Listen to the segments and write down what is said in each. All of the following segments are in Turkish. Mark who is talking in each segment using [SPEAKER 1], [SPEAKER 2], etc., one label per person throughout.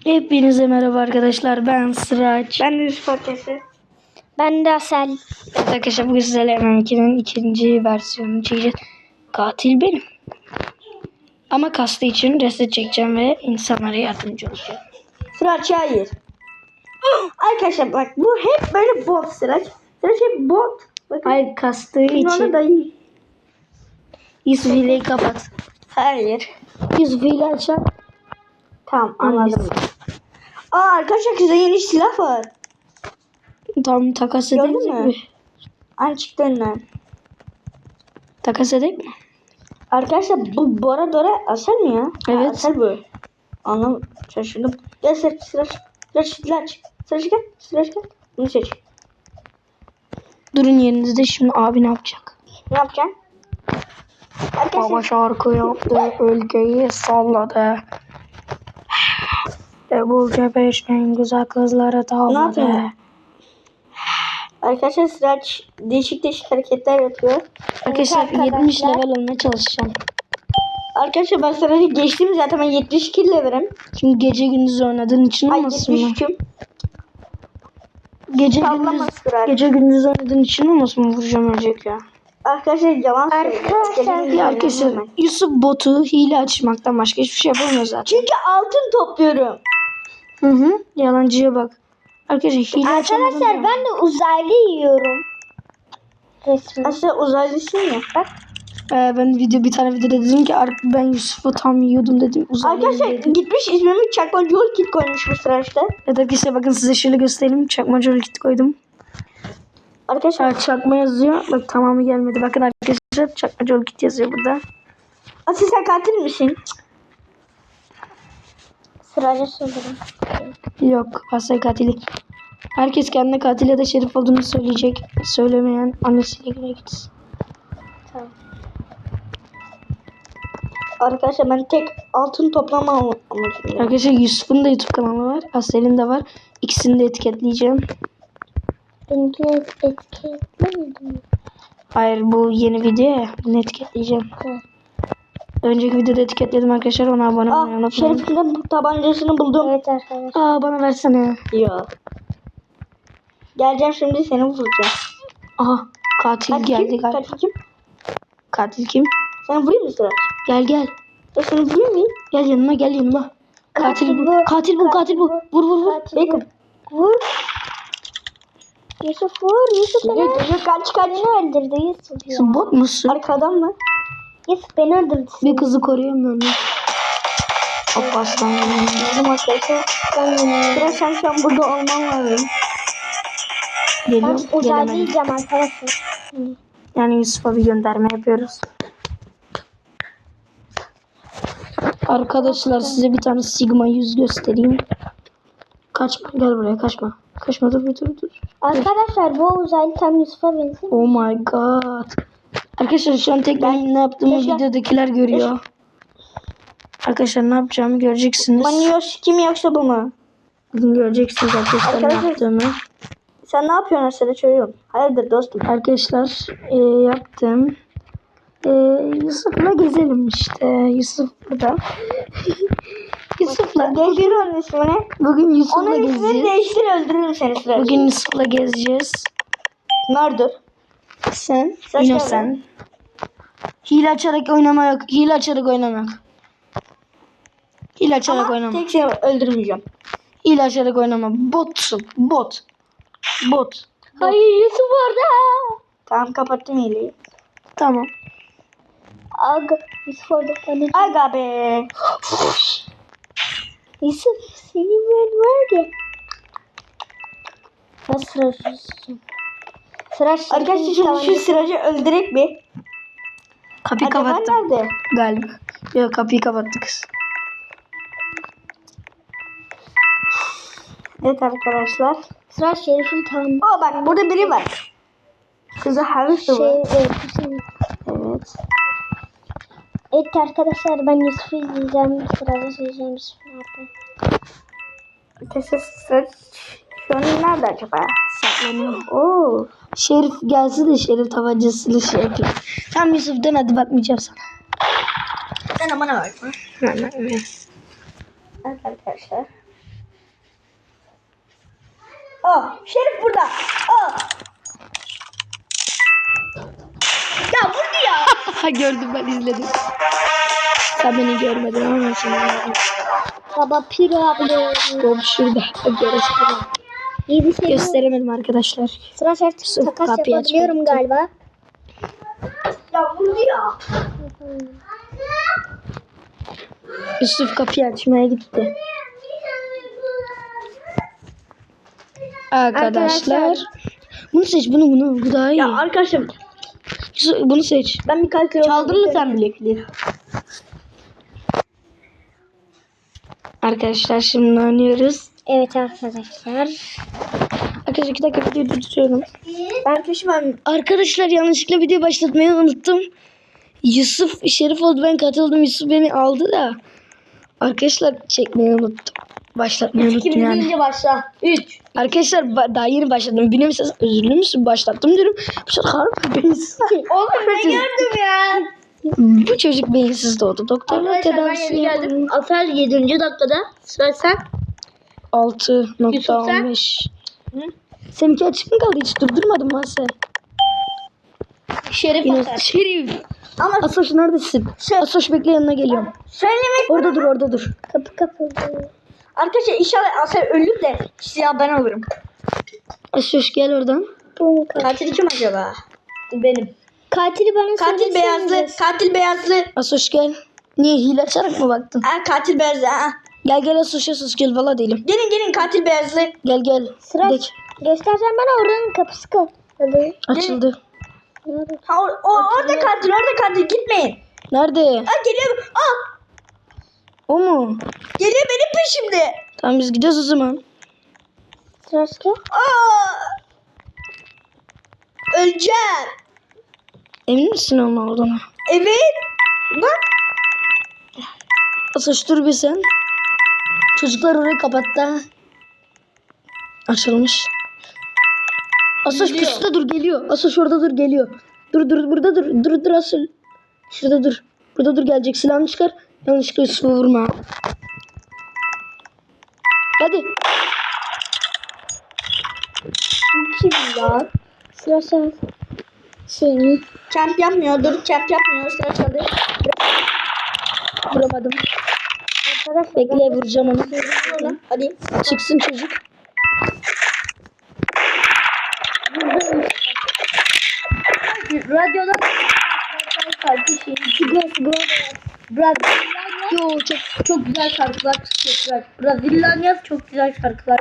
[SPEAKER 1] Hepinize merhaba arkadaşlar. Ben Sıraç.
[SPEAKER 2] Ben de Yusuf Akesi.
[SPEAKER 3] Ben de Asel.
[SPEAKER 1] Evet arkadaşlar bugün sizlerle M2'nin ikinci versiyonunu çekeceğiz. Katil benim. Ama kastı için reset çekeceğim ve insanlara yardımcı olacağım.
[SPEAKER 2] Sıraç hayır. Arkadaşlar bak bu hep böyle bot Sıraç. Sıraç hep bot. Bakın.
[SPEAKER 1] Hayır kastığı
[SPEAKER 2] Onu
[SPEAKER 1] için.
[SPEAKER 2] da iyi.
[SPEAKER 1] Yusuf hileyi kapat.
[SPEAKER 2] Hayır.
[SPEAKER 1] Yusuf hile açar.
[SPEAKER 2] Tamam anladım. Arkadaşlar size yeni silah var.
[SPEAKER 1] Tamam takas
[SPEAKER 2] Gördün
[SPEAKER 1] edelim
[SPEAKER 2] mü?
[SPEAKER 1] mi?
[SPEAKER 2] Aynı çıktı önünden.
[SPEAKER 1] Takas edelim mi?
[SPEAKER 2] Arkadaşlar bu Bora Dora Asel mi ya?
[SPEAKER 1] Evet.
[SPEAKER 2] Asel bu. Anlam şaşırdım. Gel Sıraç. Sıraç gel. Sıraç gel. Bunu seç.
[SPEAKER 1] Durun yerinizde, şimdi abi ne yapacak?
[SPEAKER 2] Ne yapacaksın? Arkadaşlar
[SPEAKER 1] Baba şarkı yaptı, ülkeyi salladı. Bu cebeş en güzel kızları tavladı.
[SPEAKER 2] yapayım? Arkadaşlar Sıraç değişik hareketler yapıyor.
[SPEAKER 1] Arkadaşlar 70 level olmaya çalışacağım.
[SPEAKER 2] Arkadaşlar ben Sıraç'ı geçtim zaten, ben 72 levelim.
[SPEAKER 1] Şimdi gece gündüz oynadığın için
[SPEAKER 2] Ay
[SPEAKER 1] olmasın mı?
[SPEAKER 2] 73'üm.
[SPEAKER 1] Gece gündüz oynadığın için olmasın mı vuracağım ölecek ya.
[SPEAKER 2] Arkadaşlar yalan söylüyor.
[SPEAKER 1] Ya arkadaşlar Yusuf botu hile açmaktan başka hiçbir şey yapamıyor zaten.
[SPEAKER 2] Çünkü altın topluyorum.
[SPEAKER 1] Hı. Yalancıya bak. Arkadaşlar hile
[SPEAKER 3] Arkadaşlar ben de uzaylı yiyorum. Resmen.
[SPEAKER 2] Aslında uzaylısın ya. Bak.
[SPEAKER 1] ben bir tane videoda dedim ki ben Yusuf'u tam yiyordum dedim.
[SPEAKER 2] Arkadaşlar gitmiş ismimi Çakma Jol Kit koymuş bu Sıraç'ta.
[SPEAKER 1] Evet arkadaşlar bakın size şöyle göstereyim. Çakma kit koydum.
[SPEAKER 2] Arkadaşlar
[SPEAKER 1] Çakma yazıyor. Bak tamamı gelmedi. Bakın arkadaşlar çakma kit yazıyor burada.
[SPEAKER 2] Asıl sen katil misin?
[SPEAKER 3] Sırayla söylerim.
[SPEAKER 1] Yok, Asay katili. Herkes kendine katil ya da şerif olduğunu söyleyecek. Söylemeyen annesiyle güne gitsin.
[SPEAKER 3] Tamam.
[SPEAKER 2] Arkadaşlar ben tek altın toplama amacım.
[SPEAKER 1] Arkadaşlar Yusuf'un da YouTube kanalı var. Asel'in de var. İkisini de etiketleyeceğim.
[SPEAKER 3] Benimkini etiketlemedim.
[SPEAKER 1] Hayır, bu yeni video ya. Bunu etiketleyeceğim.
[SPEAKER 3] Evet.
[SPEAKER 1] Önceki videoda etiketledim arkadaşlar. Ona abone olmayı unutmayın.
[SPEAKER 2] Şerif'in de tabancasını buldum.
[SPEAKER 3] Evet arkadaşlar.
[SPEAKER 1] Bana versene.
[SPEAKER 2] Yok. Geleceğim şimdi seni vuracağım.
[SPEAKER 1] Aha, katil geldi
[SPEAKER 2] kim?
[SPEAKER 1] galiba.
[SPEAKER 2] Katil kim?
[SPEAKER 1] Katil kim?
[SPEAKER 2] Sen vurayım mı Sıraç?
[SPEAKER 1] Gel.
[SPEAKER 2] Seni vurayım mı?
[SPEAKER 1] Gel yanıma. Katil bu. Katil bu. Vur.
[SPEAKER 2] Bakın.
[SPEAKER 3] Vur. Yusuf vur. Yusuf beni öldürdü.
[SPEAKER 2] Kaç.
[SPEAKER 3] Beni öldürdü Yusuf ya.
[SPEAKER 1] Sen bot musun?
[SPEAKER 2] Arkadan mı?
[SPEAKER 3] Yusuf beni öldürdü.
[SPEAKER 1] Bir kızı koruyamıyorum ben. Hop aslan.
[SPEAKER 2] Bizim arkadaşlar. Sıraç sen şu an burada olman lazım.
[SPEAKER 3] Ben
[SPEAKER 1] Geliyorum.
[SPEAKER 3] uzaylı
[SPEAKER 1] Gelemedim.
[SPEAKER 3] yiyeceğim arkadaşlar.
[SPEAKER 1] Yani Yusuf'a bir gönderme yapıyoruz. Arkadaşlar size bir tane Sigma 100 göstereyim. Kaçma, gel buraya, kaçma. Kaçma, dur.
[SPEAKER 3] Arkadaşlar bu uzaylı tam Yusuf'a benziyor.
[SPEAKER 1] Oh my god. Arkadaşlar şu an tek benim ne yaptığımı videodakiler görüyor. Arkadaşlar ne yapacağımı göreceksiniz.
[SPEAKER 2] Maniyoş kim yoksa bu mu?
[SPEAKER 1] Bugün göreceksiniz arkadaşlar ne yaptığımı.
[SPEAKER 2] Sen ne yapıyorsun Sıraç çocuğum? Hayırdır dostum?
[SPEAKER 1] Arkadaşlar yaptım. Yusuf'la gezelim işte. Yusuf burada. Yusuf'la.
[SPEAKER 2] Değiştir onun ismini.
[SPEAKER 1] Bugün Yusuf'la
[SPEAKER 2] Onun ismini
[SPEAKER 1] gezeceğiz.
[SPEAKER 2] değiştir, öldürürüm seni Sıraç.
[SPEAKER 1] Bugün Yusuf'la gezeceğiz.
[SPEAKER 2] Murder.
[SPEAKER 1] Sen,
[SPEAKER 2] Saç
[SPEAKER 1] yine
[SPEAKER 2] geldi.
[SPEAKER 1] sen. Hile açarak oynama yok. Hile açarak oynamak. Hile açarak
[SPEAKER 2] Ama
[SPEAKER 1] oynama.
[SPEAKER 2] tek seni öldürmeyeceğim.
[SPEAKER 1] Hile açarak oynama. Botsun. Bot.
[SPEAKER 3] Hayır Yusuf orada.
[SPEAKER 2] Tamam kapattım hileyi.
[SPEAKER 1] Tamam.
[SPEAKER 3] Aga Yusuf orada.
[SPEAKER 2] Aga be.
[SPEAKER 3] Yusuf seni ben var ya. Ben Sıraç Yusuf'um. Sıraç
[SPEAKER 2] Arkadaşlar şimdi şu Sıraç'ı öldürek mi?
[SPEAKER 1] Kapıyı
[SPEAKER 2] Acaba
[SPEAKER 1] kapattım.
[SPEAKER 2] nerede?
[SPEAKER 1] Galiba. Yok, kapıyı kapattı kız.
[SPEAKER 2] Evet arkadaşlar.
[SPEAKER 3] Sıraç Şerif'in tam
[SPEAKER 2] Bak burada biri var. Kızı Halis de var. Evet.
[SPEAKER 3] Evet arkadaşlar ben Yusuf'u izleyeceğim. Sıraç'ı izleyeceğim. Yusuf ne yapıyor?
[SPEAKER 2] Arkadaşlar Sıraç şu an nerede acaba?
[SPEAKER 1] Saklanıyor.
[SPEAKER 2] Oo.
[SPEAKER 1] Şerif gelsin de Şerif tabancasıyla şey yapayım. Tamam Yusuf dön hadi, bakmayacağım sana.
[SPEAKER 2] Sen bana bakma.
[SPEAKER 1] Evet.
[SPEAKER 2] Evet arkadaşlar. Şerif burada. Ya vurdu ya.
[SPEAKER 1] Gördüm, ben izledim. Sen beni görmedin ama ben seni gördüm.
[SPEAKER 3] Baba piro abla.
[SPEAKER 1] Bom şurada. Gösteremedim.
[SPEAKER 3] İyi bir şey yok.
[SPEAKER 1] Gösteremedim arkadaşlar.
[SPEAKER 3] Sıra şart
[SPEAKER 1] Yusuf,
[SPEAKER 3] takas
[SPEAKER 1] kapıyı
[SPEAKER 3] yapabiliyorum
[SPEAKER 1] açmadı.
[SPEAKER 3] galiba.
[SPEAKER 2] Ya vurdu ya.
[SPEAKER 1] Yusuf kapıyı açmaya gitti. Arkadaşlar. Bunu seç, bunu. Bu daha iyi.
[SPEAKER 2] Ya arkadaşlar
[SPEAKER 1] Yusuf, bunu seç.
[SPEAKER 2] ben bir kalkıyor. Çaldın mı sen bilekliği?
[SPEAKER 1] Arkadaşlar şimdi oynuyoruz.
[SPEAKER 3] Evet arkadaşlar.
[SPEAKER 1] Arkadaşlar 2 dakika videoyu durduruyorum.
[SPEAKER 2] Ben
[SPEAKER 1] Arkadaşlar yanlışlıkla video başlatmayı unuttum. Yusuf Şerif oldu, ben katıldım. Yusuf beni aldı da. Arkadaşlar çekmeyi unuttum. Başlatmayı unuttum yani.
[SPEAKER 2] deyince başla. 3.
[SPEAKER 1] Arkadaşlar daha yeni başladım. Biliyor musunuz? Özürlü müsün? Başlattım diyorum. Bu çocuk harbi beyinsiz.
[SPEAKER 2] Oğlum ne gördüm ya?
[SPEAKER 1] Bu çocuk beyinsiz doğdu. Doktorla
[SPEAKER 2] Arkadaşlar ben
[SPEAKER 1] tedavisi
[SPEAKER 2] yeni
[SPEAKER 1] yapalım.
[SPEAKER 2] geldim. Afer 7. dakikada. Sıra sen.
[SPEAKER 1] 6.15. Seninki açık mı kaldı? Hiç durdurmadım ben seni.
[SPEAKER 2] Şerif
[SPEAKER 1] Yine
[SPEAKER 2] Afer.
[SPEAKER 1] Şerif.
[SPEAKER 2] Ama
[SPEAKER 1] Asoş neredesin? Asoş bekle, yanına geliyorum.
[SPEAKER 2] söylemek
[SPEAKER 1] Orada dur.
[SPEAKER 3] Kapı kapalı.
[SPEAKER 2] arkadaşlar inşallah Afer ölür de siyah ben olurum.
[SPEAKER 1] Asoş gel oradan.
[SPEAKER 3] Bu
[SPEAKER 2] Katil kim acaba? Benim.
[SPEAKER 3] katili bana
[SPEAKER 2] Katil beyazlı. Katil beyazlı.
[SPEAKER 1] Asoş gel. Niye hile açarak mı baktın?
[SPEAKER 2] Katil beyazlı.
[SPEAKER 1] Gel Asoş gel, valla değilim.
[SPEAKER 2] Gelin katil beyazlı.
[SPEAKER 1] Gel.
[SPEAKER 3] Sıra.
[SPEAKER 1] Dek.
[SPEAKER 3] Göstersen bana oranın kapısı kapalı.
[SPEAKER 1] Açıldı.
[SPEAKER 3] Nerede?
[SPEAKER 2] Orada katil gitmeyin.
[SPEAKER 1] Nerede?
[SPEAKER 2] Geliyor.
[SPEAKER 1] O mu?
[SPEAKER 2] Geliyor benim peşimde.
[SPEAKER 1] Tamam biz gidiyoruz o zaman.
[SPEAKER 3] Sırası.
[SPEAKER 2] Öleceğim.
[SPEAKER 1] Emin misin onun olduğuna?
[SPEAKER 2] Evet. Bak.
[SPEAKER 1] Asoş dur bir sen. Çocuklar orayı kapattı. Açılmış. Asoş
[SPEAKER 2] Geliyor.
[SPEAKER 1] pusuda dur, geliyor. Asoş orada dur, geliyor. Dur burada dur. Dur Asoş. Şurada dur. Burada dur, gelecek, silahını çıkar. Yanlışlıkla Yusuf'u vurma. Hadi.
[SPEAKER 3] Kim lan? Sırası. Seni.
[SPEAKER 2] Camp yapmıyor. Camp yapmıyor. Sıra çalıyor.
[SPEAKER 1] Vuramadım.
[SPEAKER 3] Arkadaşlar
[SPEAKER 1] Bekle, vuracağım onu.
[SPEAKER 2] Hadi.
[SPEAKER 1] Çıksın çocuk.
[SPEAKER 2] Radyoda
[SPEAKER 1] Yo
[SPEAKER 2] çok güzel şarkılar çıkıyor. Brezilyan yaz çok güzel şarkılar.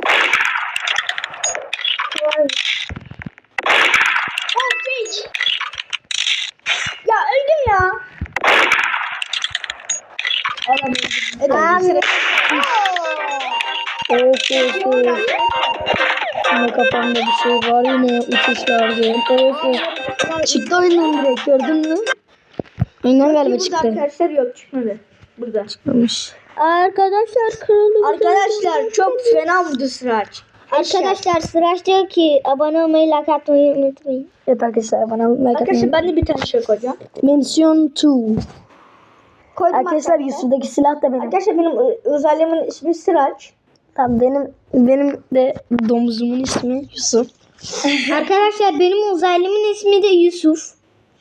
[SPEAKER 2] Ya öldüm ya.
[SPEAKER 3] Abi.
[SPEAKER 1] Of. Yine kafamda bir şey var, yine uçuşlardı. Of. Çıktı oyundan direkt, gördün mü? Oyundan galiba
[SPEAKER 2] Burada
[SPEAKER 1] çıktı.
[SPEAKER 2] arkadaşlar yok çıkmadı. Burada.
[SPEAKER 1] Çıkmamış.
[SPEAKER 3] Arkadaşlar kırıldı.
[SPEAKER 2] Arkadaşlar çok fena vurdu Sıraç.
[SPEAKER 3] Arkadaşlar Sıraç diyor ki abone olmayı, like atmayı unutmayın.
[SPEAKER 1] Evet arkadaşlar, bana like
[SPEAKER 2] Arkadaşlar
[SPEAKER 1] atmayı.
[SPEAKER 2] ben de bir tane şey koyacağım.
[SPEAKER 1] Mention 2.
[SPEAKER 2] Koydum
[SPEAKER 1] Arkadaşlar Yusuf'daki silah da benim.
[SPEAKER 2] Arkadaşlar benim özelliğimin ismi Sıraç.
[SPEAKER 1] Tamam, benim de domuzumun ismi Yusuf.
[SPEAKER 3] Arkadaşlar benim uzaylımın ismi de Yusuf.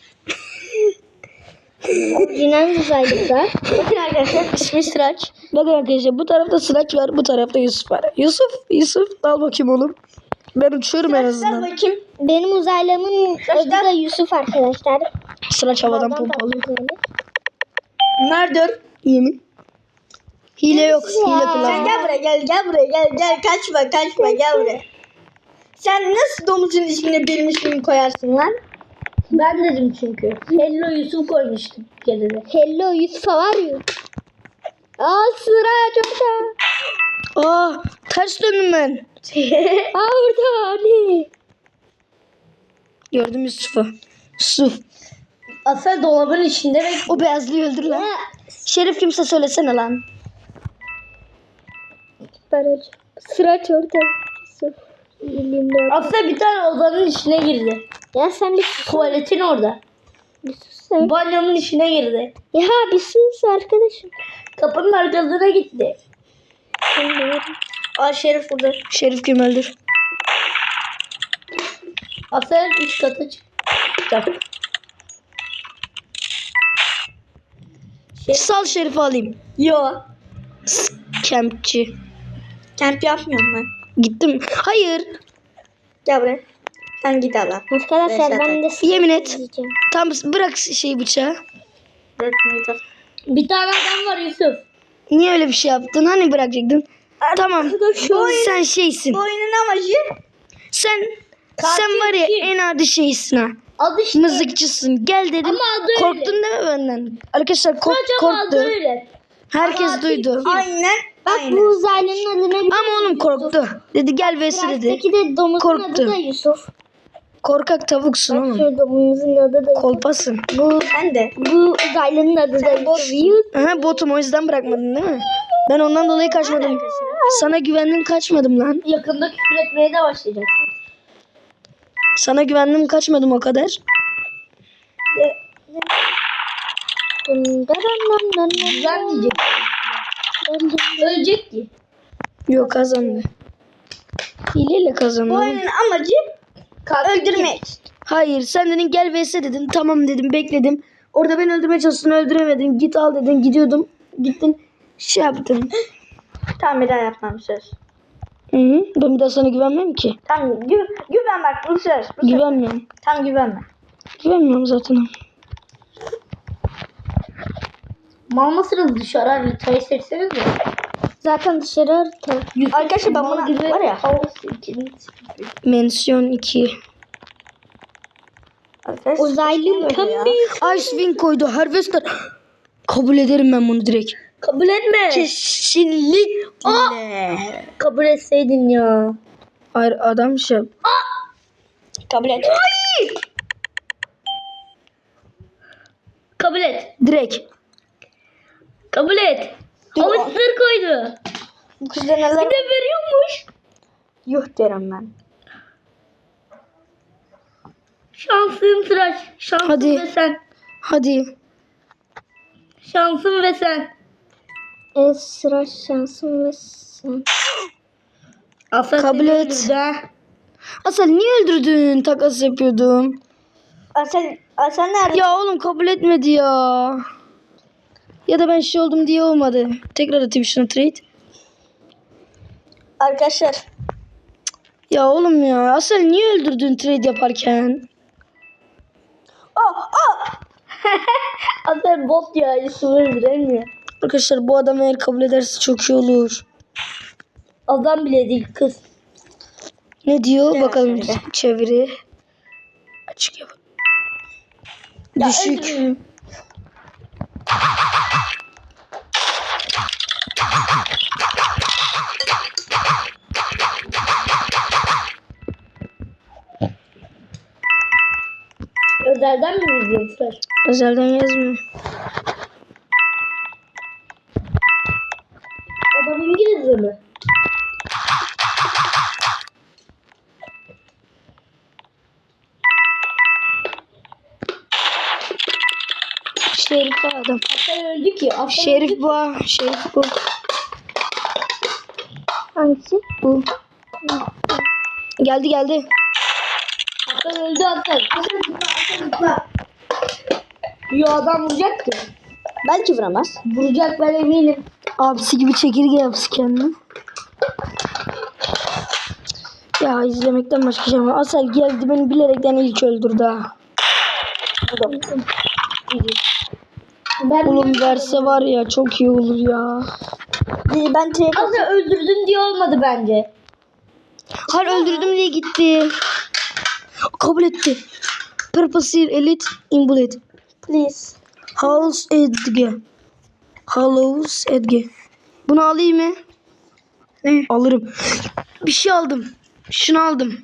[SPEAKER 3] Orijinal uzaylılar.
[SPEAKER 2] Bakın arkadaşlar ismi Sıraç.
[SPEAKER 1] Bakın arkadaşlar, bu tarafta Sıraç var, bu tarafta Yusuf var. Yusuf al bakayım oğlum. Ben uçuyorum en
[SPEAKER 2] Ver
[SPEAKER 1] azından.
[SPEAKER 2] bakayım.
[SPEAKER 3] Benim uzaylımın adı da Yusuf arkadaşlar.
[SPEAKER 1] Sıraç havadan
[SPEAKER 3] Havadan
[SPEAKER 1] pompalıyor.
[SPEAKER 3] patlatıyor.
[SPEAKER 2] Nerede?
[SPEAKER 1] Yemin. Hile yok. Hile
[SPEAKER 2] Sen
[SPEAKER 1] kullanma.
[SPEAKER 2] gel buraya gel buraya gel kaçma gel buraya. Sen nasıl domuzun ismini benim ismimi koyarsın lan? Ben dedim çünkü. Hello Yusuf koymuştum kedide.
[SPEAKER 3] Hello Yusuf var ya. Sıraç orada.
[SPEAKER 1] Ters döndüm ben.
[SPEAKER 3] Orada anne.
[SPEAKER 1] Gördüm Yusuf'u. Yusuf.
[SPEAKER 2] Asel dolabın içinde ve
[SPEAKER 1] O beyazlıyı öldür lan. Şerif kimse söylesene lan.
[SPEAKER 3] Sıraç orada. Yusuf.
[SPEAKER 2] Asel bir tane odanın içine girdi.
[SPEAKER 3] Ya sen bir
[SPEAKER 2] Tuvaletin orada.
[SPEAKER 3] sus sen.
[SPEAKER 2] Banyonun içine girdi.
[SPEAKER 3] Ya bir sus arkadaşım.
[SPEAKER 2] Kapının arkasına gitti. Şerif burada.
[SPEAKER 1] Şerif kim öldür?
[SPEAKER 2] Asel 3 kata çıktı.
[SPEAKER 1] Sal Şerif'i alayım.
[SPEAKER 2] Yo.
[SPEAKER 1] Kempçi.
[SPEAKER 2] Kamp yapmıyorum ben.
[SPEAKER 1] Gittim. Hayır.
[SPEAKER 2] Gel buraya. Sen git Allah.
[SPEAKER 3] Arkadaşlar ben de
[SPEAKER 1] Yemin et.
[SPEAKER 3] izleyeceğim.
[SPEAKER 1] Tam bırak bıçağı.
[SPEAKER 2] Bir tane adam var Yusuf.
[SPEAKER 1] Niye öyle bir şey yaptın? Hani bırakacaktın? Tamam. Sen şeysin.
[SPEAKER 2] Bu oyunun amacı
[SPEAKER 1] Sen
[SPEAKER 2] Katil
[SPEAKER 1] var ya
[SPEAKER 2] kim?
[SPEAKER 1] en adi şeysin ha.
[SPEAKER 2] adı işte.
[SPEAKER 1] Mızıkçısın. Gel dedim.
[SPEAKER 2] Ama adı öyle.
[SPEAKER 1] Korktun değil mi benden? Arkadaşlar
[SPEAKER 2] Kocaman adı
[SPEAKER 1] korktu.
[SPEAKER 2] öyle.
[SPEAKER 1] Herkes
[SPEAKER 2] Katil
[SPEAKER 1] duydu.
[SPEAKER 2] Aynen.
[SPEAKER 3] Bak bu uzaylının adına bir
[SPEAKER 1] Ama oğlum korktu. Dedi gel vs dedi.
[SPEAKER 3] Peki de domuzun
[SPEAKER 1] Korktu.
[SPEAKER 3] adı da Yusuf.
[SPEAKER 1] Korkak tavuksun
[SPEAKER 3] Bak
[SPEAKER 1] oğlum.
[SPEAKER 3] şu domuzun adı da Yusuf.
[SPEAKER 1] Kolpasın.
[SPEAKER 2] Ben de.
[SPEAKER 3] Bu uzaylının adı da Yusuf.
[SPEAKER 1] Aha, botum o yüzden bırakmadın değil mi? Ben ondan dolayı kaçmadım. Sana güvendim kaçmadım lan.
[SPEAKER 2] Yakında küfür etmeye de başlayacaksın.
[SPEAKER 1] Sana güvendim kaçmadım o kadar.
[SPEAKER 2] Güzel diyecek. Ölecek ki.
[SPEAKER 1] Yok kazandı. Hileyle
[SPEAKER 2] Bu
[SPEAKER 1] kazandı.
[SPEAKER 2] oyunun amacı öldürmek.
[SPEAKER 1] Hayır sen dedin gel vs dedin. Tamam dedim bekledim. Orada beni öldürmeye çalıştın öldüremedin. Git al dedin gidiyordum. Gittin şey yaptın.
[SPEAKER 2] Tamam bir daha yapmam söz.
[SPEAKER 1] Hı -hı. Ben bir daha sana güvenmem ki.
[SPEAKER 2] Tamam güven bak bu söz. Bu söz.
[SPEAKER 1] Güvenmiyorum.
[SPEAKER 2] Tamam güvenme.
[SPEAKER 1] Güvenmiyorum zaten.
[SPEAKER 2] Mal mısınız dışarı haritayı seçseniz de.
[SPEAKER 3] Zaten dışarı harita.
[SPEAKER 2] Arkadaşlar ben buna var ya.
[SPEAKER 1] Mensiyon 2.
[SPEAKER 2] Arkadaşlar,
[SPEAKER 3] Uzaylı pembe.
[SPEAKER 1] Icewind koydu. Harvester. Kabul ederim ben bunu direkt.
[SPEAKER 2] Kabul etme.
[SPEAKER 1] Kesinlikle.
[SPEAKER 2] Kabul etseydin ya.
[SPEAKER 1] Hayır adam şey.
[SPEAKER 2] Kabul et. Kabul et.
[SPEAKER 1] Direkt.
[SPEAKER 2] Kabul et. Havuçları koydu.
[SPEAKER 1] Bu kızda neler?
[SPEAKER 2] Bir de veriyormuş.
[SPEAKER 1] Yuh derim ben.
[SPEAKER 2] Şansın tıraş. Şansın
[SPEAKER 1] Hadi.
[SPEAKER 2] ve sen.
[SPEAKER 1] Hadi.
[SPEAKER 2] Şansın ve sen.
[SPEAKER 3] Sıra şansım ve sen.
[SPEAKER 2] Aslan
[SPEAKER 1] Kabul
[SPEAKER 2] seni
[SPEAKER 1] et.
[SPEAKER 2] öldürdü ha.
[SPEAKER 1] Asel niye öldürdün? Takas yapıyordum.
[SPEAKER 2] Aslan nerede?
[SPEAKER 1] Ya oğlum kabul etmedi ya. Ya da ben şey oldum diye olmadı. Tekrar atayım şuna trade.
[SPEAKER 2] Arkadaşlar.
[SPEAKER 1] Ya oğlum ya. Asel niye öldürdün trade yaparken?
[SPEAKER 2] Aslan bot ya. Yusuf'u öldüremiyor.
[SPEAKER 1] Arkadaşlar bu adam eğer kabul ederse çok iyi olur.
[SPEAKER 2] Adam bile değil kız.
[SPEAKER 1] Ne diyor?
[SPEAKER 2] Gel
[SPEAKER 1] Bakalım
[SPEAKER 2] şöyle.
[SPEAKER 1] çeviri. Açık yap. Düşük.
[SPEAKER 2] öldürün. Özelden mi izliyorsun?
[SPEAKER 1] Özelden yazmıyor.
[SPEAKER 2] Adam İngilizce mi?
[SPEAKER 1] Şerif bu adam.
[SPEAKER 2] Aslan öldü ki. Aslan
[SPEAKER 1] Şerif bu. Şerif bu.
[SPEAKER 3] Hangisi?
[SPEAKER 1] Bu. Geldi geldi.
[SPEAKER 2] Aslan öldü Aslan. Aslan zıpla. Yo adam vuracak ki.
[SPEAKER 1] Belki vuramaz.
[SPEAKER 2] Vuracak ben eminim.
[SPEAKER 1] Abisi gibi çekirge yapsın kendini. Ya izlemekten başka şey var. Asel geldi beni bilerekten ilk öldürdü ha.
[SPEAKER 2] Ben
[SPEAKER 1] Oğlum verse var ya çok iyi olur ya.
[SPEAKER 2] ben Aslan öldürdün diye olmadı bence.
[SPEAKER 1] Hayır öldürdüm diye gitti. Kabul etti. Purpose Elite in Bullet.
[SPEAKER 2] Please.
[SPEAKER 1] House Edge. Hallows Edge. Bunu alayım mı?
[SPEAKER 2] Ne?
[SPEAKER 1] Alırım. Bir şey aldım. Şunu aldım.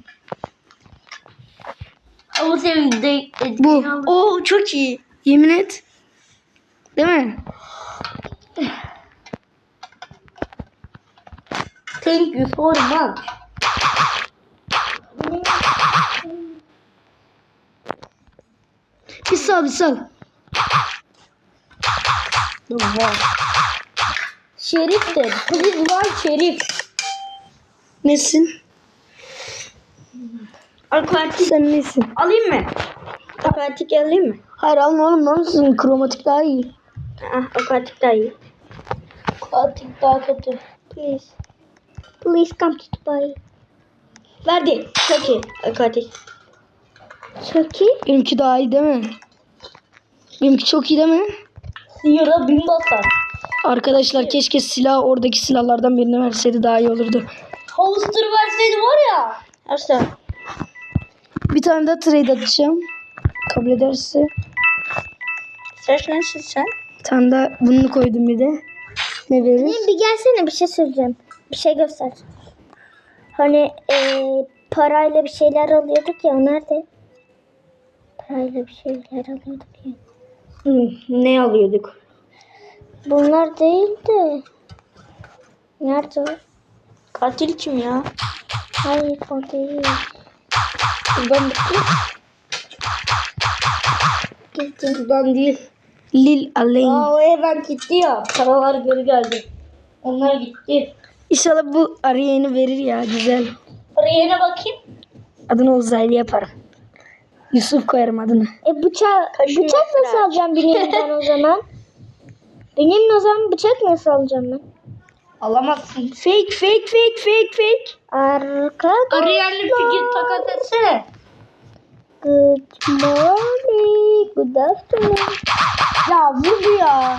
[SPEAKER 2] Ama sevindi.
[SPEAKER 1] Bu.
[SPEAKER 2] Oo çok iyi.
[SPEAKER 1] Yemin et. Değil mi?
[SPEAKER 2] Thank you so much.
[SPEAKER 1] Bir sal bir sal.
[SPEAKER 2] Şerif de. Please var Şerif.
[SPEAKER 1] Nesin?
[SPEAKER 2] Aquatik
[SPEAKER 1] Sen nesin?
[SPEAKER 2] alayım mı? Aquatik alayım mı?
[SPEAKER 1] Hayır alma oğlum, ne olursun, kromatik daha iyi.
[SPEAKER 2] Aquatik daha iyi.
[SPEAKER 3] Katil daha kötü.
[SPEAKER 2] Please.
[SPEAKER 3] Please come to Dubai.
[SPEAKER 2] Verdi. Çok iyi. Aquatik.
[SPEAKER 3] Çok iyi.
[SPEAKER 1] Benimki daha iyi değil mi? Benimki çok iyi değil mi?
[SPEAKER 3] Siyara bin basar.
[SPEAKER 1] Arkadaşlar keşke silah oradaki silahlardan birini verseydi daha iyi olurdu.
[SPEAKER 3] Holster verseydi var ya.
[SPEAKER 2] Asla.
[SPEAKER 1] Bir tane daha trade atacağım. Kabul ederse.
[SPEAKER 2] Sen nasıl sen?
[SPEAKER 1] Bir tane daha bunu koydum bir de. Ne verir?
[SPEAKER 3] Bir gelsene, bir şey söyleyeceğim. Bir şey göster. Hani parayla bir şeyler alıyorduk ya, o nerede? Parayla bir şeyler alıyorduk ya.
[SPEAKER 2] Ne alıyorduk?
[SPEAKER 3] Bunlar değil de. Nerede o?
[SPEAKER 2] Katil kim ya?
[SPEAKER 3] Hayır, o değil.
[SPEAKER 2] Ben
[SPEAKER 3] Gittim.
[SPEAKER 2] değil.
[SPEAKER 1] Lil Alain.
[SPEAKER 2] O evden gitti ya. Paralar geri geldi. Onlar gitti.
[SPEAKER 1] İnşallah bu Ariye'ni verir ya, güzel.
[SPEAKER 2] Paraya bakayım.
[SPEAKER 1] Adını uzaylı yaparım. Yusuf koyarım adını.
[SPEAKER 3] Bıçak
[SPEAKER 2] Kaşın
[SPEAKER 3] nasıl
[SPEAKER 2] mesela.
[SPEAKER 3] alacağım benim ben o zaman? Benim o zaman bıçak nasıl alacağım ben?
[SPEAKER 2] Alamazsın. Fake.
[SPEAKER 3] Arkadaşlar.
[SPEAKER 2] Ariel'li figür takas etsene.
[SPEAKER 3] Good morning. Good afternoon.
[SPEAKER 2] Ya vurdu ya.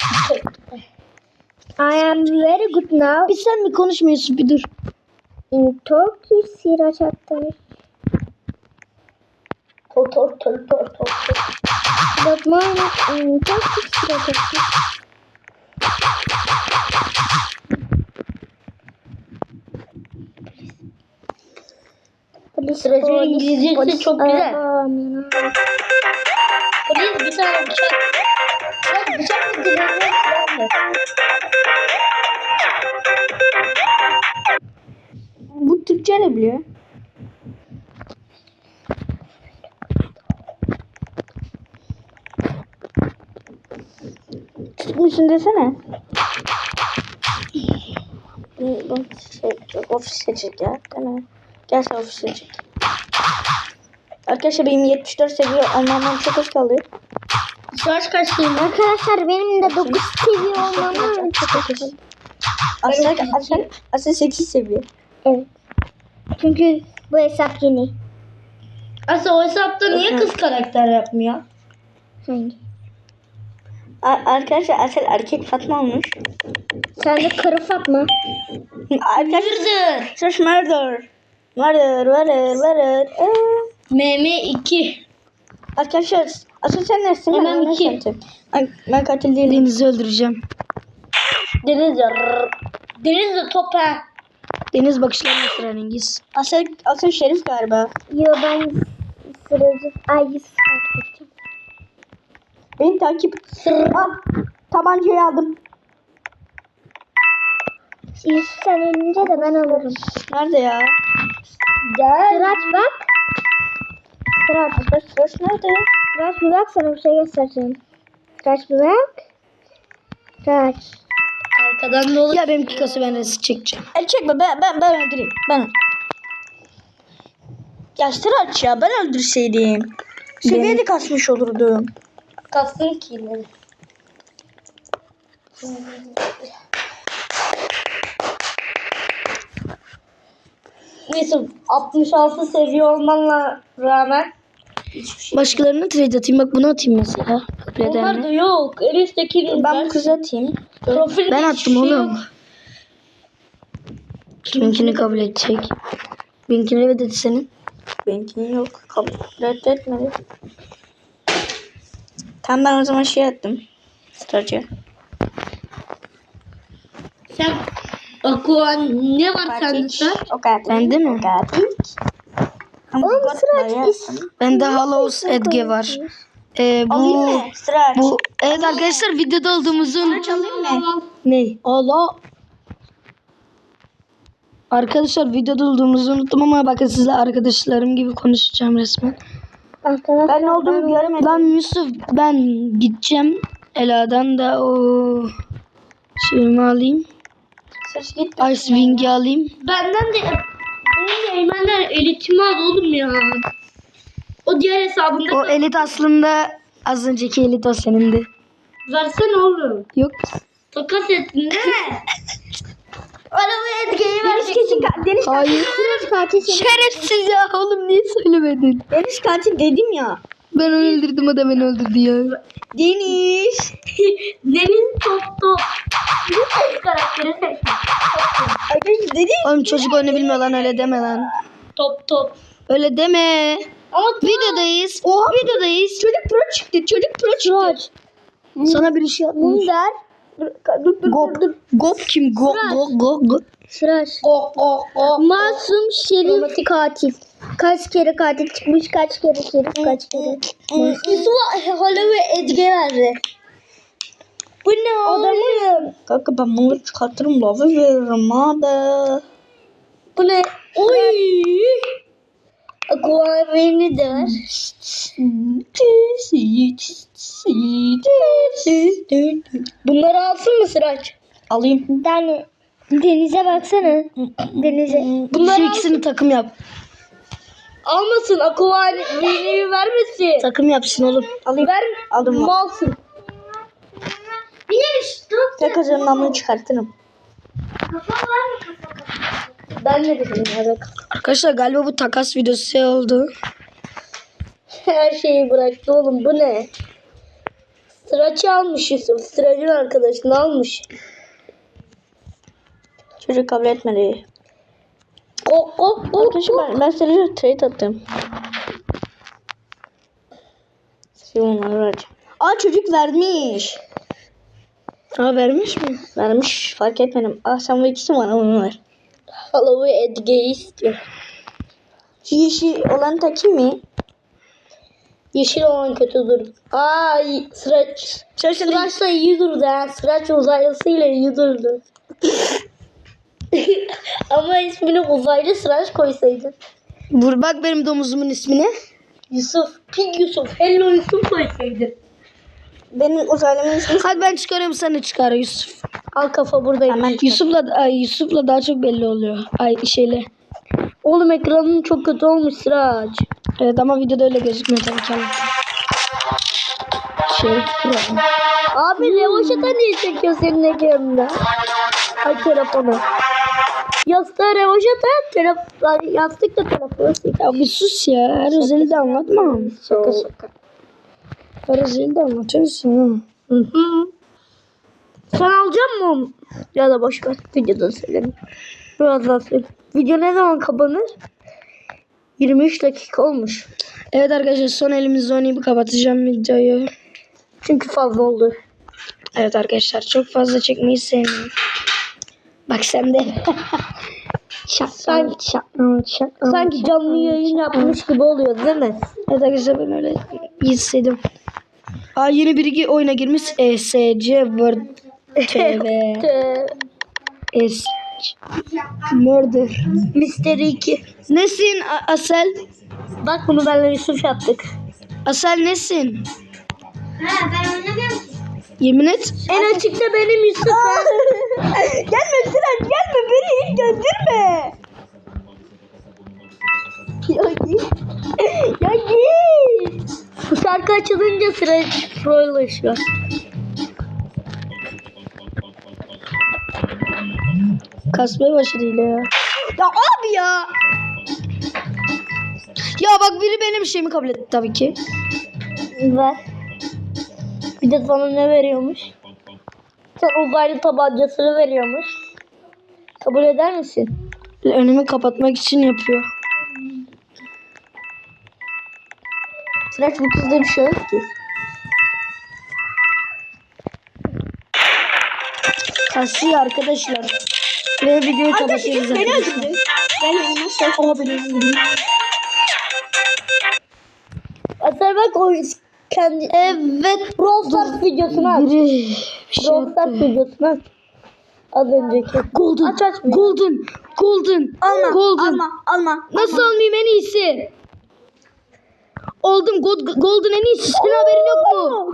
[SPEAKER 3] I am very good now.
[SPEAKER 1] Bir sen mi konuşmuyorsun, bir dur.
[SPEAKER 3] In Turkish Sirac Aktar.
[SPEAKER 2] Tor.
[SPEAKER 3] Good morning. In Turkish Sirac Aktar.
[SPEAKER 2] Sıracı İngilizcesi çok güzel. Polis bir tane bıçak. Bak bıçak mı dilenme silah mı? Bu Türkçe ne biliyor? Çıkmışsın desene. Ofise çek ya. Tamam. Gel sen ofise çek. Arkadaşlar benim 74 seviye olmamdan çok az kaldı. Saç kaçtayım?
[SPEAKER 3] Arkadaşlar benim de 9 seviye olmamdan çok hoşum.
[SPEAKER 2] Aslında 8 seviye.
[SPEAKER 3] Evet. Çünkü bu hesap yeni.
[SPEAKER 2] Aslında o hesapta niye kız karakter yapmıyor?
[SPEAKER 3] Hangi?
[SPEAKER 2] Arkadaşlar Asel erkek Fatma olmuş.
[SPEAKER 3] Sen de karı Fatma.
[SPEAKER 2] Arkadaşlar. Sus murder. Murder. MM2. Arkadaşlar Asel sen nesin?
[SPEAKER 3] MM2.
[SPEAKER 2] Ben katil değilim.
[SPEAKER 1] Deniz'i öldüreceğim.
[SPEAKER 2] Deniz top ha.
[SPEAKER 1] Deniz bakışlarına esrarengiz.
[SPEAKER 2] Asel şerif galiba.
[SPEAKER 3] Yo, ben sıracı. Ay, Yusuf takip edeceğim.
[SPEAKER 2] Beni takip. Al. Tabancayı aldım.
[SPEAKER 3] Yusuf sen ölünce de ben alırım.
[SPEAKER 2] Nerede ya?
[SPEAKER 3] Sıraç bak.
[SPEAKER 2] Sıraç nerede?
[SPEAKER 3] Sıraç bir bak, sana bir şey göstereceğim. Sıraç bir bak. Sıraç.
[SPEAKER 2] Arkadan da olur.
[SPEAKER 1] Ya benimki kası, ben resim çekeceğim.
[SPEAKER 2] Çekme ben öldüreyim. Ben. Ya Sıraç ya, ben öldürseydim. Seviyede kasmış olurdum. Kastın ki. Neyse 66 seviye olmanla rağmen
[SPEAKER 1] Başkalarına trade atayım. Bak bunu atayım mesela. Kabul
[SPEAKER 2] onlar da
[SPEAKER 1] edenle.
[SPEAKER 2] yok. En üstteki ben bu kızı atayım. Profilde
[SPEAKER 1] Ben
[SPEAKER 2] hiçbir
[SPEAKER 1] attım
[SPEAKER 2] şey
[SPEAKER 1] oğlum.
[SPEAKER 2] yok.
[SPEAKER 1] Kiminkini kabul edecek? Benimkini evet dedi senin.
[SPEAKER 2] Benimkinin yok. Reddetmedi. Tamam ben o zaman şey attım. Sıracı. Sen Akuan ne var sende sen? O kadar.
[SPEAKER 1] Bende mi?
[SPEAKER 2] O kadar.
[SPEAKER 3] Oğlum Sıraç
[SPEAKER 1] Bende Hallows Edge var.
[SPEAKER 2] Alayım
[SPEAKER 1] Bu
[SPEAKER 2] mı? Sıraç.
[SPEAKER 1] evet arkadaşlar, videoda olduğumuzun
[SPEAKER 2] Alayım mı?
[SPEAKER 1] ne? Allah. Arkadaşlar videoda olduğumuzu unuttum ama bakın sizle arkadaşlarım gibi konuşacağım resmen.
[SPEAKER 3] Arkadaşlar
[SPEAKER 2] Ben ne olduğumu göremedim.
[SPEAKER 1] Lan Yusuf, ben gideceğim Ela'dan da o şeyimi alayım.
[SPEAKER 2] Sıraç git.
[SPEAKER 1] Ice Wing'i alayım.
[SPEAKER 2] Benden de Benim Eymenler elitimi aldı oğlum ya. O diğer hesabında
[SPEAKER 1] O elit aslında az önceki elit o senindi.
[SPEAKER 2] versene oğlum.
[SPEAKER 1] Yok.
[SPEAKER 2] Takas ettin değil mi? Arabaya Edge'yi vereceksin.
[SPEAKER 3] Deniz
[SPEAKER 1] Hayır.
[SPEAKER 3] katil.
[SPEAKER 1] Şerefsiz ya oğlum niye söylemedin?
[SPEAKER 3] Deniz katil dedim ya.
[SPEAKER 1] Ben onu öldürdüm o da beni öldürdü ya.
[SPEAKER 3] Deniz.
[SPEAKER 2] Deniz Topto. Bu ses karakteri seçmiş.
[SPEAKER 3] Arkadaşlar dedim.
[SPEAKER 1] Oğlum çocuk oyunu bilmiyor lan öyle deme lan.
[SPEAKER 2] Top.
[SPEAKER 1] Öyle deme.
[SPEAKER 2] Ama
[SPEAKER 1] Videodayız.
[SPEAKER 3] Oha.
[SPEAKER 1] Videodayız.
[SPEAKER 3] Çocuk pro çıktı. Çocuk pro çıktı.
[SPEAKER 1] Sana bir şey yapmış.
[SPEAKER 3] Munder. Dur.
[SPEAKER 1] Gop kim? Go.
[SPEAKER 3] Sıraç. Masum şerif katil. Kaç kere katil çıkmış, kaç kere şerif, kaç kere.
[SPEAKER 2] Yusuf'a Hala ve Edge verdi.
[SPEAKER 3] Bu ne adamım?
[SPEAKER 1] Kanka ben bunları çıkartırım lava veririm abi.
[SPEAKER 3] Bu ne?
[SPEAKER 2] Oy.
[SPEAKER 3] Aqua beni de ver.
[SPEAKER 2] Bunları alsın mı Sıraç?
[SPEAKER 1] Alayım.
[SPEAKER 3] Denize baksana. Denize.
[SPEAKER 1] Şu ikisini takım yap.
[SPEAKER 2] Almasın. Aqua V'yi vermesin.
[SPEAKER 1] Takım yapsın oğlum.
[SPEAKER 2] Ver.
[SPEAKER 1] Aldım.
[SPEAKER 2] Malsın.
[SPEAKER 1] Tek kazanmamı çıkartırım.
[SPEAKER 2] Ben ne dedim ya?
[SPEAKER 1] Arkadaşlar galiba bu takas videosu oldu.
[SPEAKER 2] Her şeyi bıraktı oğlum. Bu ne? Sıraç'ı almış Yusuf. Sıraç'ın arkadaşını almış.
[SPEAKER 1] Çocuk kabul etmedi.
[SPEAKER 2] Arkadaşlar
[SPEAKER 1] Ben sana trade attım. Şimdi onları vereceğim.
[SPEAKER 3] Aa çocuk vermiş.
[SPEAKER 1] Aa vermiş mi?
[SPEAKER 3] Vermiş fark etmedim. Aa sen bu ikisi bana onu ver.
[SPEAKER 2] Hala ve Edge'yi istiyor.
[SPEAKER 3] Yeşil olan takım mı?
[SPEAKER 2] Yeşil olan kötü dur. Sıraç. Sıraç'la iyi durdu ha. Sıraç uzaylısıyla iyi durdu. Ama ismini uzaylı Sıraç koysaydın.
[SPEAKER 1] Vur bak benim domuzumun ismine.
[SPEAKER 2] Yusuf. Pig Yusuf. Hello Yusuf koysaydın.
[SPEAKER 3] Benim uzaylımın ismi.
[SPEAKER 1] Hadi ben çıkarıyorum sen de çıkar Yusuf.
[SPEAKER 2] Al kafa buradayım.
[SPEAKER 3] Hemen
[SPEAKER 1] Yusuf'la daha çok belli oluyor. Şeyle.
[SPEAKER 2] Oğlum ekranın çok kötü olmuş Sıraç.
[SPEAKER 1] Evet ama videoda öyle gözükmüyor tabii ki.
[SPEAKER 2] Abi Revaşat'a niye çekiyor senin ekranında? Ay telefonu. Yastığa Revaşat'a yastıkla telefonu çekiyor.
[SPEAKER 1] Ya bir sus ya. Her özeli de anlatma.
[SPEAKER 2] Şaka.
[SPEAKER 1] Her özeli de anlatıyorsun.
[SPEAKER 2] Hı. Sen alacak mısın onu? Ya da boş ver. Videoda söyleyeyim. Birazdan söyleyeyim. Video ne zaman kapanır? 23 dakika olmuş.
[SPEAKER 1] Evet arkadaşlar son elimizde oynayıp kapatacağım videoyu.
[SPEAKER 2] Çünkü fazla oldu.
[SPEAKER 1] Evet arkadaşlar çok fazla çekmeyi sevmiyorum. Bak sen de.
[SPEAKER 2] Sanki canlı yayın yapmış gibi oluyor değil mi?
[SPEAKER 1] Evet arkadaşlar ben öyle hissediyorum. Aa yeni biri oyuna girmiş. ESC Word TV. Murder.
[SPEAKER 2] Mystery 2.
[SPEAKER 1] Nesin Asel?
[SPEAKER 2] Bak bunu benle Yusuf yaptık.
[SPEAKER 1] Asel nesin?
[SPEAKER 3] Ben oynamıyorum.
[SPEAKER 1] Yemin et.
[SPEAKER 2] En açıkta benim Yusuf.
[SPEAKER 3] Gelme Sıraç gelme beni hiç gönderme. Ya git.
[SPEAKER 2] Bu şarkı açılınca sıra prolaşıyor.
[SPEAKER 1] Kasmaya başladı yine ya.
[SPEAKER 3] Ya abi ya.
[SPEAKER 1] Ya bak biri benim şeyimi kabul etti tabii ki.
[SPEAKER 2] Ver. Bir de sana ne veriyormuş? Sen uzaylı tabancasını veriyormuş. Kabul eder misin?
[SPEAKER 1] Önümü kapatmak için yapıyor.
[SPEAKER 2] Sıraç bu kızda bir şey yok ki.
[SPEAKER 1] Kasıyor arkadaşlar. Ve videoyu kapatıyoruz
[SPEAKER 3] Beni
[SPEAKER 1] arkadaşlar.
[SPEAKER 3] öldürdü. Ben nasıl?
[SPEAKER 1] Oha beni öldürdü.
[SPEAKER 2] Asel bak o kendi
[SPEAKER 1] Evet.
[SPEAKER 2] Brawl Stars videosunu aç.
[SPEAKER 1] Biri bir şey
[SPEAKER 2] Brawl Stars
[SPEAKER 1] yaptı.
[SPEAKER 2] videosunu aç. Az önceki.
[SPEAKER 1] Golden.
[SPEAKER 2] Aç bir.
[SPEAKER 1] Golden.
[SPEAKER 3] Alma.
[SPEAKER 1] Golden.
[SPEAKER 3] Alma.
[SPEAKER 1] Nasıl almayayım en iyisi? Oldum Golden en iyisi. Senin haberin yok mu?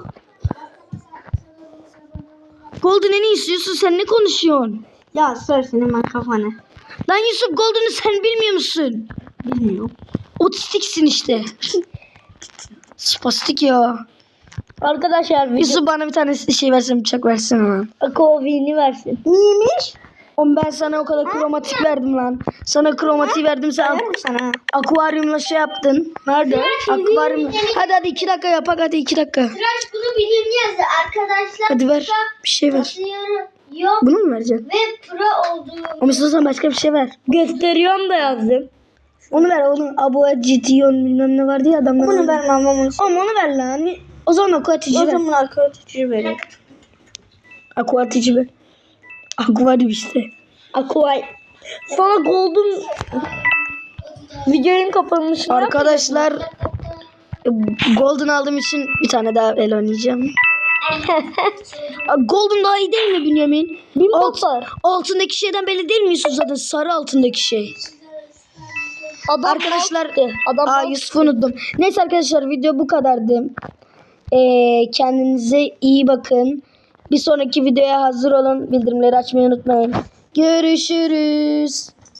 [SPEAKER 1] Golden en iyisi. Yusuf sen ne konuşuyorsun?
[SPEAKER 3] Ya sor senin ben kafanı.
[SPEAKER 1] Lan Yusuf Golden'ı sen bilmiyor musun?
[SPEAKER 2] Bilmiyorum.
[SPEAKER 1] Otistiksin işte. Spastik ya.
[SPEAKER 2] Arkadaşlar
[SPEAKER 1] Yusuf bana bir tane şey versin, bıçak versene lan.
[SPEAKER 2] Akovini versin. Neymiş?
[SPEAKER 1] Oğlum ben sana o kadar kromatik verdim lan. Sana kromatiği verdim, sen
[SPEAKER 2] Verim sana.
[SPEAKER 1] akvaryumla şey yaptın. Nerede? Akvaryum. Hadi 2 dakika yapak, hadi 2 dakika.
[SPEAKER 3] Tıraş bunu bilim yazdı arkadaşlar.
[SPEAKER 1] Hadi ver. Bir şey ver.
[SPEAKER 3] Basıyorum. Yok
[SPEAKER 1] Bunu mu vereceksin?
[SPEAKER 3] ve pro olduğum.
[SPEAKER 1] Ama istiyorsan başka bir şey ver.
[SPEAKER 2] Gösteriyorum da yazdım.
[SPEAKER 1] Onu ver oğlum. Abua Cition bilmem ne vardı ya adamlar.
[SPEAKER 2] Bunu vermem ama.
[SPEAKER 1] Ama onu ver lan. O zaman aquatici
[SPEAKER 2] O
[SPEAKER 1] ver.
[SPEAKER 2] zaman arkadaşı verin.
[SPEAKER 1] Aquatici ver. Akvaryum işte.
[SPEAKER 2] Aquay. Sana golden videonun kapanışını
[SPEAKER 1] Arkadaşlar Golden aldığım için bir tane daha el oynayacağım. Golden daha iyi değil mi Bünyamin? Altındaki şeyden belli değil mi Yusuf zaten? Sarı altındaki şey. Arkadaşlar Yusuf'u unuttum. Neyse arkadaşlar video bu kadardı. Kendinize iyi bakın. Bir sonraki videoya hazır olun. Bildirimleri açmayı unutmayın. Görüşürüz.